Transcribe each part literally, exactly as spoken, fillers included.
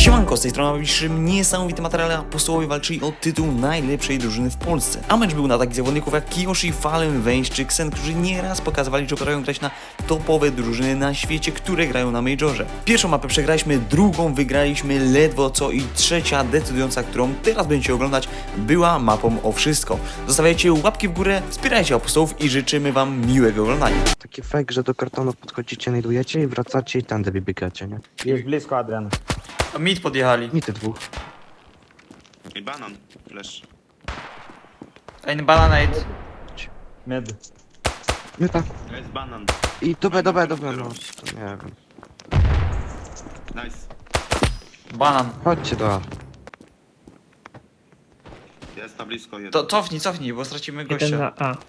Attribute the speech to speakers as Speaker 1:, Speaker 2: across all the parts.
Speaker 1: Siemanko, z tej strony najbliższym niesamowity materiał, a posłowie walczyli o tytuł najlepszej drużyny w Polsce. A mecz był na takich zawodników jak Kiyoshi, Fallen, Vayne czy Xen, którzy nieraz pokazywali, że potrafią grać na topowe drużyny na świecie, które grają na Majorze. Pierwszą mapę przegraliśmy, drugą wygraliśmy ledwo co i trzecia decydująca, którą teraz będziecie oglądać, była mapą o wszystko. Zostawiajcie łapki w górę, wspierajcie apostołów i życzymy wam miłego oglądania.
Speaker 2: Taki fake, że do kartonu podchodzicie, znajdujecie i wracacie i tędy wybiegacie, nie?
Speaker 3: Jest blisko, Adrian.
Speaker 1: Mid podjechali.
Speaker 2: I te dwóch.
Speaker 4: I banan, flash.
Speaker 1: Ein bananate.
Speaker 3: Mid.
Speaker 2: My tak.
Speaker 4: Jest banan.
Speaker 2: I dobra, dobra, dobra, no. Nie wiem.
Speaker 4: Nice.
Speaker 1: Banan.
Speaker 2: Chodźcie do A.
Speaker 4: Jest na blisko jeden.
Speaker 1: To cofnij, cofnij, bo stracimy
Speaker 5: Jeden
Speaker 1: gościa.
Speaker 5: na A.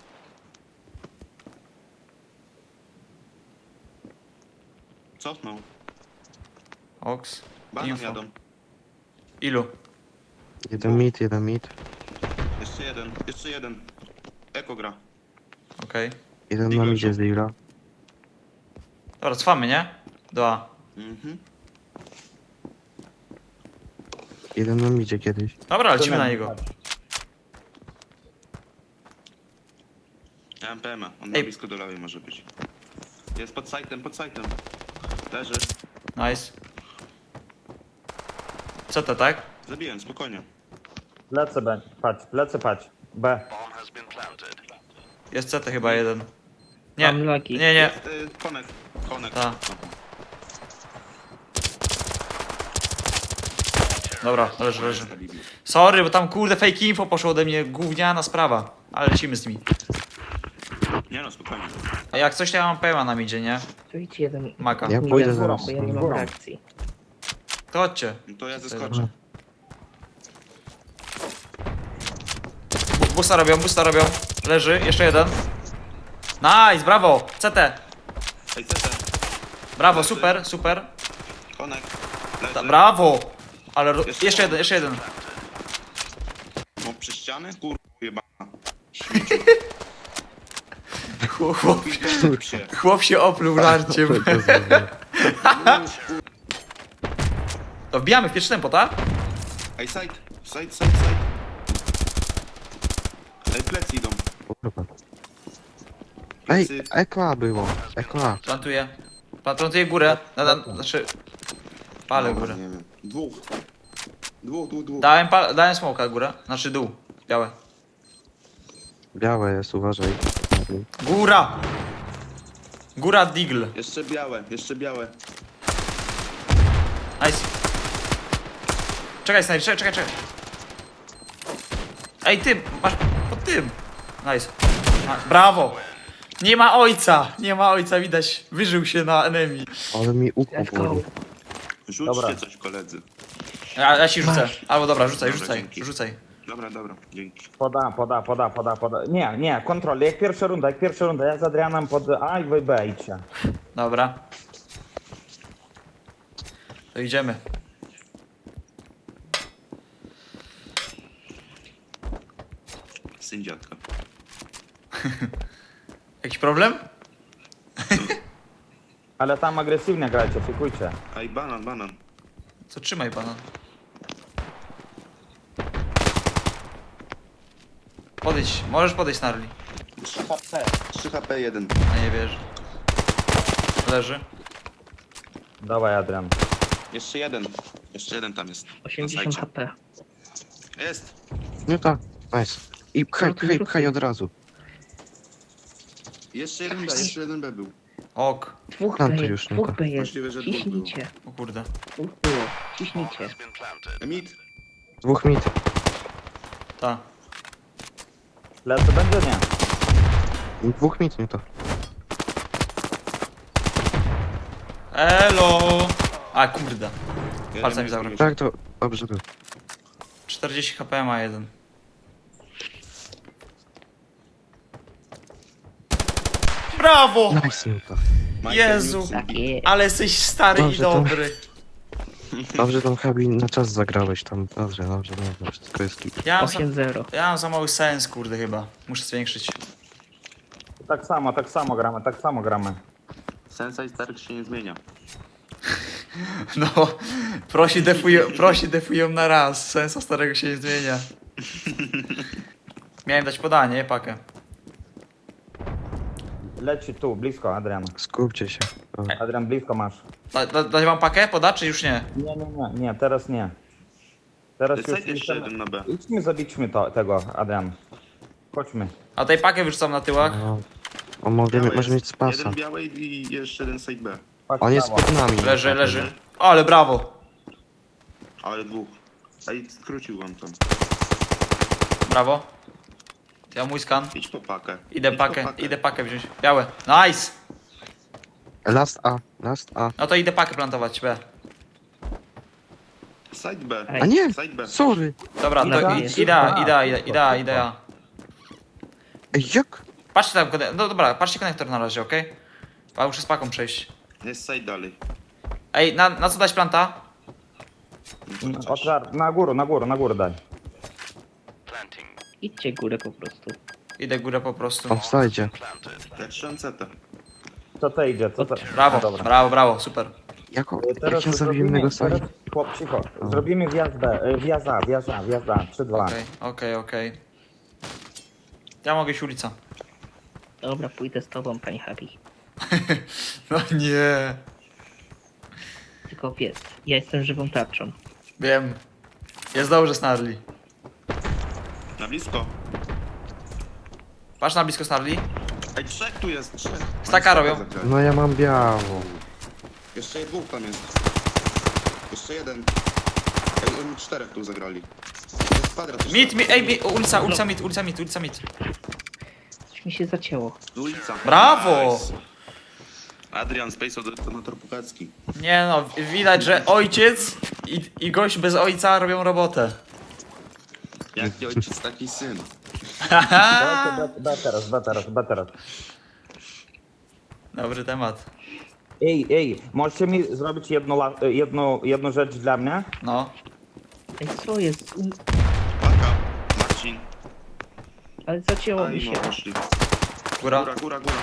Speaker 4: Cofnął.
Speaker 1: Ox.
Speaker 4: Banan
Speaker 1: Info.
Speaker 4: jadą.
Speaker 1: Ilu?
Speaker 2: Jeden mid, jeden mid.
Speaker 4: Jeszcze jeden, jeszcze jeden. Eko gra.
Speaker 1: Okej.
Speaker 2: Jeden
Speaker 4: Diggle
Speaker 2: nam idzie
Speaker 4: shot.
Speaker 2: z Digla.
Speaker 1: Dobra, cofamy, nie? Do A.
Speaker 4: Mhm.
Speaker 2: Jeden nam idzie kiedyś.
Speaker 1: Dobra, lecimy na niego.
Speaker 4: Ja mam P M a. On
Speaker 1: Ej.
Speaker 4: na blisko do lewej może być. Jest pod sajtem, pod sajtem. Leży.
Speaker 1: Nice. Co to, tak?
Speaker 4: Zabiłem, spokojnie.
Speaker 3: Lecę B. Patrz, lecę patrz. B.
Speaker 1: Jest C T chyba jeden. Nie,
Speaker 5: Mam lagi.
Speaker 1: nie, nie.
Speaker 4: Jest y, konek. Konek.
Speaker 1: Ta. Dobra, leży, leży. Sorry, bo tam kurde fake info poszło ode mnie, gówniana sprawa. Ale lecimy z nimi.
Speaker 4: Nie no, spokojnie.
Speaker 1: A jak coś, to ja mam P M a na midzie, nie?
Speaker 5: Tu idź jeden.
Speaker 1: Maka.
Speaker 2: Ja
Speaker 5: Nie
Speaker 2: pójdę
Speaker 5: wiem,
Speaker 2: zaraz.
Speaker 5: bo ja nie mam
Speaker 3: Górą.
Speaker 5: reakcji.
Speaker 1: To chodźcie.
Speaker 4: No to ja zeskoczę.
Speaker 1: Bu- Busta robią, busta robią. Leży, jeszcze jeden. Nice, brawo! C T.
Speaker 4: Ej, C T.
Speaker 1: Brawo, super, super.
Speaker 4: Konek.
Speaker 1: Ta,
Speaker 4: Leży.
Speaker 1: brawo! Ale ro-
Speaker 4: Jeszcze
Speaker 1: jeszcze jeden, jeszcze jeden.
Speaker 4: No przy ściany? Kur... jebana.
Speaker 1: Chłop, chłop,
Speaker 4: Chłop się.
Speaker 1: chłop się opluł żarciem. To wbijamy w pierwszy tempo, tak?
Speaker 4: Ej, side. Side, side, side. Ej, plecy idą.
Speaker 2: Kurwa. Ej,
Speaker 4: Plecy.
Speaker 2: Eko A było. Eko A.
Speaker 1: Plantuję. Plan- Plantuję górę. Na, na, znaczy... Palę
Speaker 4: Dobra,
Speaker 1: górę.
Speaker 4: Nie wiem. Dwóch. Dwóch, dwóch, dwóch.
Speaker 1: Dałem, pal- dałem smoka górę. Znaczy dół. Białe.
Speaker 2: Białe jest, uważaj.
Speaker 1: Góra! Góra Digl.
Speaker 4: Jeszcze białe, jeszcze białe.
Speaker 1: Nice. Czekaj, Snajper, czekaj, czekaj, czekaj. Ej, ty, masz pod tym. Nice. A, brawo. Nie ma ojca, nie ma ojca, widać. Wyżył się na enemy.
Speaker 2: Ale mi uku
Speaker 5: Let's go.
Speaker 2: boli.
Speaker 4: Rzućcie
Speaker 3: Dobra.
Speaker 4: coś, koledzy.
Speaker 1: Ja, ja ci rzucę.
Speaker 5: Masz.
Speaker 1: Albo dobra, rzucaj,
Speaker 4: Dobra,
Speaker 1: rzucaj,
Speaker 4: dzięki.
Speaker 1: rzucaj.
Speaker 4: Dobra, dobra, dzięki.
Speaker 3: Poda, poda, poda, poda, poda. Nie, nie, kontrol. Jak pierwsza runda, jak pierwsza runda. Ja z Adrianem pod A i wy B idźcie.
Speaker 1: Dobra. To idziemy.
Speaker 4: Syn dziadka.
Speaker 1: Jakiś problem?
Speaker 3: Ale tam agresywnie grajcie, szykujcie.
Speaker 4: Ej, banan, banan.
Speaker 1: Co, trzymaj pana. Podejdź, możesz podejść na rli.
Speaker 4: trzy H P. trzy H P jeden.
Speaker 1: A nie wiesz. Leży.
Speaker 3: Dawaj, Adrian.
Speaker 4: Jeszcze jeden. Jeszcze jeden tam jest. Na
Speaker 5: osiemdziesiąt
Speaker 4: sajcie.
Speaker 5: H P.
Speaker 4: Jest.
Speaker 2: No tak, nice. I pchaj, pchaj, pchaj od razu.
Speaker 4: Jeszcze jeden B, jeszcze jeden B był.
Speaker 1: Ok.
Speaker 5: Dwóch
Speaker 2: Tam
Speaker 5: B
Speaker 2: to
Speaker 5: jest,
Speaker 2: już nie
Speaker 5: dwóch
Speaker 2: tak.
Speaker 5: B jest.
Speaker 4: Możliwe, że dwóch
Speaker 5: Ciśnijcie.
Speaker 1: O kurde.
Speaker 5: Dwóch było. Ciśnijcie.
Speaker 4: Emit.
Speaker 2: Dwóch mid.
Speaker 1: Ta.
Speaker 3: Lecę będzie? Nie.
Speaker 2: Dwóch mid, nie to.
Speaker 1: Elo! A kurde.
Speaker 4: Jeden
Speaker 1: Palcami
Speaker 4: jest
Speaker 1: zabrał.
Speaker 4: już.
Speaker 2: Tak, to dobrze było.
Speaker 1: czterdzieści H P ma jeden. Brawo!
Speaker 2: Nice, no to.
Speaker 4: Michael
Speaker 1: Jezu.
Speaker 4: Newton.
Speaker 5: Tak jest.
Speaker 1: Ale jesteś stary
Speaker 2: Dobrze,
Speaker 1: i
Speaker 2: to-
Speaker 1: dobry.
Speaker 2: Dobrze tam Habi na czas zagrałeś tam. Dobrze, dobrze, dobrze. Wszystko jest git.
Speaker 1: Ja mam, za,
Speaker 5: osiem zero.
Speaker 1: ja mam za mały sens, kurde, chyba. Muszę zwiększyć.
Speaker 3: Tak samo, tak samo gramy, tak samo gramy.
Speaker 4: Sensei Stark się nie zmienia.
Speaker 1: No, prosi defują, prosi defują na raz. Sensa starego się nie zmienia. Miałem dać podanie, pakę.
Speaker 3: Leci tu, blisko, Adrian.
Speaker 2: Skupcie się. O.
Speaker 3: Adrian, blisko masz.
Speaker 1: Da, da, dać wam pakę? Poda, czy już nie?
Speaker 3: Nie, nie, nie, nie, teraz nie. Teraz już
Speaker 4: Side jeszcze
Speaker 3: chcemy-
Speaker 4: jeden na B.
Speaker 3: Idźmy, zabićmy to, tego, Adrian. Chodźmy.
Speaker 1: A tej pakę wyrzucam na tyłach.
Speaker 2: O, o mogę,
Speaker 4: Białe
Speaker 2: może
Speaker 4: jest.
Speaker 2: mieć spasa.
Speaker 4: Jeden biały i jeszcze jeden side B.
Speaker 3: Chodź
Speaker 2: On jest
Speaker 3: prawo.
Speaker 2: pod nami.
Speaker 1: Leży, leży. O, ale brawo.
Speaker 4: Ale dwóch. Ej, skrócił on tam.
Speaker 1: Brawo. Ja mój skan.
Speaker 4: Idź po pakę.
Speaker 1: Idę
Speaker 4: Idź po
Speaker 1: pakę, idę pakę wziąć. Białe. Nice!
Speaker 2: Last A, last A.
Speaker 1: No to idę pakę plantować, B.
Speaker 4: Side B.
Speaker 5: Ej.
Speaker 2: A nie!
Speaker 4: Side B.
Speaker 2: Sorry!
Speaker 1: Dobra, to
Speaker 5: Dobra,
Speaker 1: i-
Speaker 5: jest.
Speaker 1: idea,
Speaker 3: A,
Speaker 1: idea, idea,
Speaker 3: szybko,
Speaker 1: idea,
Speaker 3: szybko.
Speaker 1: idea.
Speaker 2: Ej, jak?
Speaker 1: Patrzcie tam, kone- no dobra, patrzcie konektor na razie, okej? Okay? Muszę z paką przejść.
Speaker 4: Jest side dalej.
Speaker 1: Ej, na, na co dać planta?
Speaker 4: No to chociaż.
Speaker 3: Otwar, na górę, na górę, na górę daj.
Speaker 5: Idźcie górę po prostu.
Speaker 1: Idę górę po prostu.
Speaker 2: On wstajdzie.
Speaker 4: Ja trzymam cetę.
Speaker 3: Co to idzie, co to...
Speaker 1: Brawo,
Speaker 3: A, dobra.
Speaker 1: brawo, brawo, super.
Speaker 2: Jak, o-
Speaker 3: Teraz
Speaker 2: jak ja zabiłem
Speaker 3: zrobimy,
Speaker 2: innego
Speaker 3: teraz,
Speaker 2: side?
Speaker 3: chłop, cicho. Zrobimy wjazd B, e, wjazd A, wjazd A, wjazd A, trzy dwa.
Speaker 1: Okej, okej, okej. Ja mogę iść ulica.
Speaker 5: Dobra, pójdę z tobą, pani Happy.
Speaker 1: No nie.
Speaker 5: Tylko wiesz, ja jestem żywą tarczą.
Speaker 1: Wiem. Jest dobrze, Snarly.
Speaker 4: Na blisko.
Speaker 1: Patrz na blisko Snarly.
Speaker 4: Ej, trzech tu jest, trzech.
Speaker 1: Staka
Speaker 4: Oni
Speaker 1: robią.
Speaker 4: zagrali.
Speaker 2: No ja mam białą.
Speaker 4: Jeszcze dwóch tam jest. Jeszcze jeden. Ej, oni czterech tu zagrali. Jest kwadrat jeszcze.
Speaker 1: Mit, mit, ej, mit, ulica, ulica mit, ulica mit, ulica mit.
Speaker 5: Coś mi się zacięło.
Speaker 4: Ulica.
Speaker 1: Brawo!
Speaker 4: Nice. Adrian Space detonator Pukacki.
Speaker 1: Nie no, widać, że ojciec i, i gość bez ojca robią robotę.
Speaker 4: Jaki ojciec, taki syn.
Speaker 3: Dajcie B, B teraz, B teraz, B teraz.
Speaker 1: Dobry temat.
Speaker 3: Ej, ej, możecie mi zrobić jedną, la- e, jedną, jedną rzecz dla mnie?
Speaker 1: No.
Speaker 5: Ej, co jest? U-
Speaker 4: Paka, Marcin.
Speaker 5: Ale zacięło
Speaker 4: A
Speaker 5: mi
Speaker 4: i
Speaker 5: się.
Speaker 4: no, poszli.
Speaker 1: Góra.
Speaker 4: Góra, góra, góra.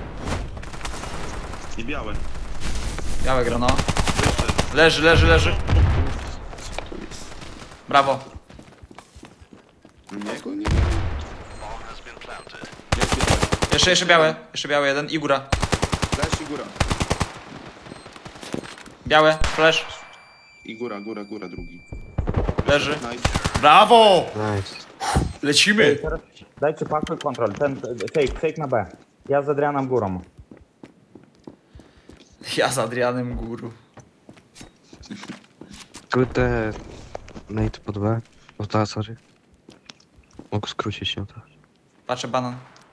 Speaker 4: I białe.
Speaker 1: Białe gra, no.
Speaker 4: Wyszedł.
Speaker 1: Leży, leży, leży.
Speaker 4: Tu jest.
Speaker 1: Brawo.
Speaker 4: Nie, go nie. Jest białe.
Speaker 1: Jeszcze, jeszcze białe. Jeszcze białe jeden i góra.
Speaker 4: Flash i góra.
Speaker 1: Białe, flash.
Speaker 4: I góra, góra, góra drugi.
Speaker 1: Leży.
Speaker 4: Nice.
Speaker 1: Brawo!
Speaker 2: Nice.
Speaker 3: Ej,
Speaker 1: Lecimy.
Speaker 3: teraz dajcie pakuj kontrol, ten e, fake, fake na B. Ja z Adrianem górą.
Speaker 1: Ja z Adrianem Guru.
Speaker 2: Kurde... Nate pod B. O ta, sorry. Mógł skrócić się to.
Speaker 1: Patrzę banan.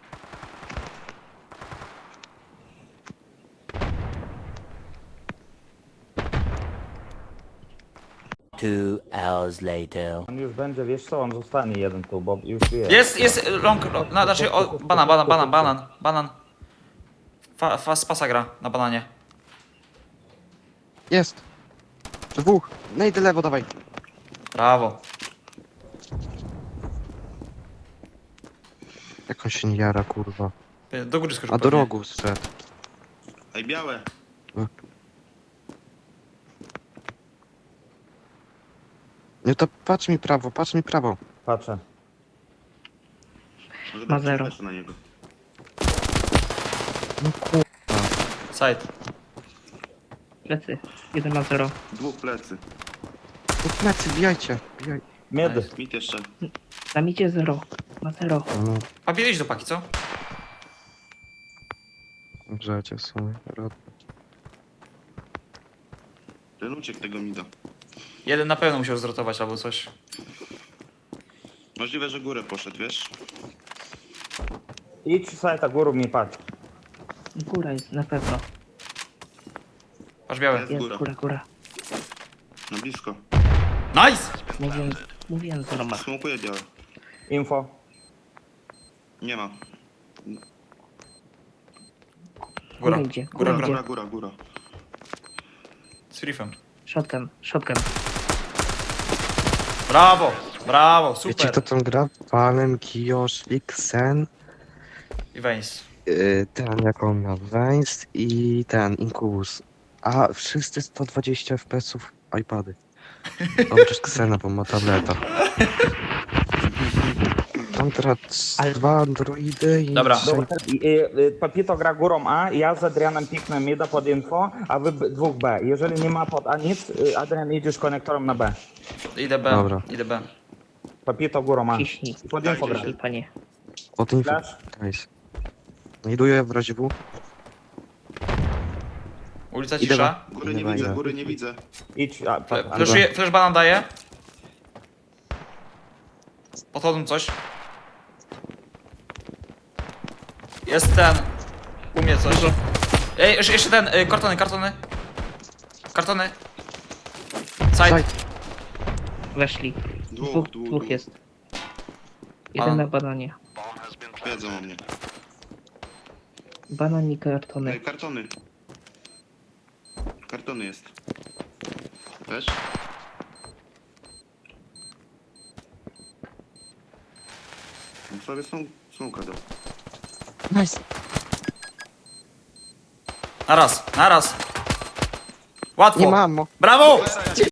Speaker 6: Two hours later.
Speaker 3: On już będzie, wiesz co, on zostanie jeden tu, bo już wie.
Speaker 1: Jest, jest long, long no, znaczy o, banan, banan, banan, banan, banan. Fa, fa, z pasa gra na bananie.
Speaker 2: Jest! Dwóch! Nate lewo, dawaj!
Speaker 1: Brawo.
Speaker 2: Jak on się nie jara, kurwa.
Speaker 1: Do góry skoczył
Speaker 2: A do
Speaker 1: pewnie.
Speaker 2: rogu zszedł.
Speaker 4: Ej, białe.
Speaker 2: Nie, to patrz mi prawo, patrz mi prawo.
Speaker 3: Patrzę.
Speaker 4: Może
Speaker 5: Ma
Speaker 4: dać
Speaker 5: zero.
Speaker 4: flasha na niego.
Speaker 2: No kurwa.
Speaker 1: Side.
Speaker 5: Plecy. Jeden ma zero.
Speaker 4: Dwóch plecy.
Speaker 2: No plecy, bijajcie. Bijaj.
Speaker 3: Mid.
Speaker 1: Nice.
Speaker 4: Mit jeszcze.
Speaker 5: Na micie zero. Ma zero.
Speaker 2: No,
Speaker 1: A bierzesz do paki, co?
Speaker 2: grzecie są.
Speaker 4: Ten uciekł tego mida.
Speaker 1: Jeden na pewno musiał zrotować albo coś.
Speaker 4: Możliwe, że górę poszedł, wiesz?
Speaker 3: Idź sajta górą mi patrz.
Speaker 5: Góra jest na pewno.
Speaker 1: Patrz białe.
Speaker 4: Jest
Speaker 5: Jest
Speaker 4: góra.
Speaker 5: góra, góra.
Speaker 4: Na blisko.
Speaker 1: Nice!
Speaker 5: Mówiłem, mówiłem zero ma.
Speaker 4: Smokuje białe.
Speaker 3: Info.
Speaker 4: Nie ma.
Speaker 1: Góra.
Speaker 5: Góra idzie.
Speaker 1: Góra,
Speaker 5: Góra
Speaker 1: góra.
Speaker 5: idzie.
Speaker 4: Góra, góra, góra.
Speaker 1: Z riffem.
Speaker 5: Shotgun, shotgun.
Speaker 1: Brawo! Brawo,
Speaker 2: Wiecie kto
Speaker 1: super.
Speaker 2: tam gra? Fallen, Kiyosh, Xen,
Speaker 1: I Vaynes.
Speaker 2: yy, ten jak on miał, Vance i ten, Incubus. A wszyscy sto dwadzieścia F P S-ów iPady. Dobrze, Ksena, bo ma tableta. Tam teraz
Speaker 5: Ale-
Speaker 2: dwa Androidy i...
Speaker 1: Dobra.
Speaker 2: trzej-
Speaker 3: Dobra, i- i- Papito gra górą A, ja z Adrianem piknę mida pod info, a wy b- dwóch B. Jeżeli nie ma pod A nic, y, Adrian idziesz konektorem na B.
Speaker 1: Idę B,
Speaker 2: Dobra.
Speaker 1: idę B.
Speaker 3: Papito górą A.
Speaker 5: Ciśnij.
Speaker 3: Pod info gra.
Speaker 5: Ciśnij, panie.
Speaker 2: Od info.
Speaker 3: Flash?
Speaker 2: Nice. Znajduję w razie W.
Speaker 1: Ulica
Speaker 2: Idę
Speaker 1: cisza.
Speaker 4: Góry nie
Speaker 2: Dobra,
Speaker 4: widzę,
Speaker 2: idę.
Speaker 4: góry nie widzę.
Speaker 3: Idź, a, pa, a,
Speaker 1: Flashuję, flash banan daję. Podchodzą coś. Jest ten. U mnie coś. Ej, jeszcze- jeszcze ten, y, kartony, kartony. Kartony. Side.
Speaker 2: Side.
Speaker 5: Weszli.
Speaker 4: Dwóch,
Speaker 5: Dwóch,
Speaker 4: dwóch,
Speaker 5: dwóch
Speaker 4: dwóch.
Speaker 5: jest. Jeden
Speaker 1: A.
Speaker 5: na bananie.
Speaker 4: Wiedzą o mnie.
Speaker 5: Banan i
Speaker 4: Ej,
Speaker 5: kartony.
Speaker 4: kartony. Kartony jest. Wiesz? No sobie są, są kadą.
Speaker 2: Nice.
Speaker 1: Na raz, na raz. Łatwo.
Speaker 2: Nie mamo.
Speaker 1: Brawo!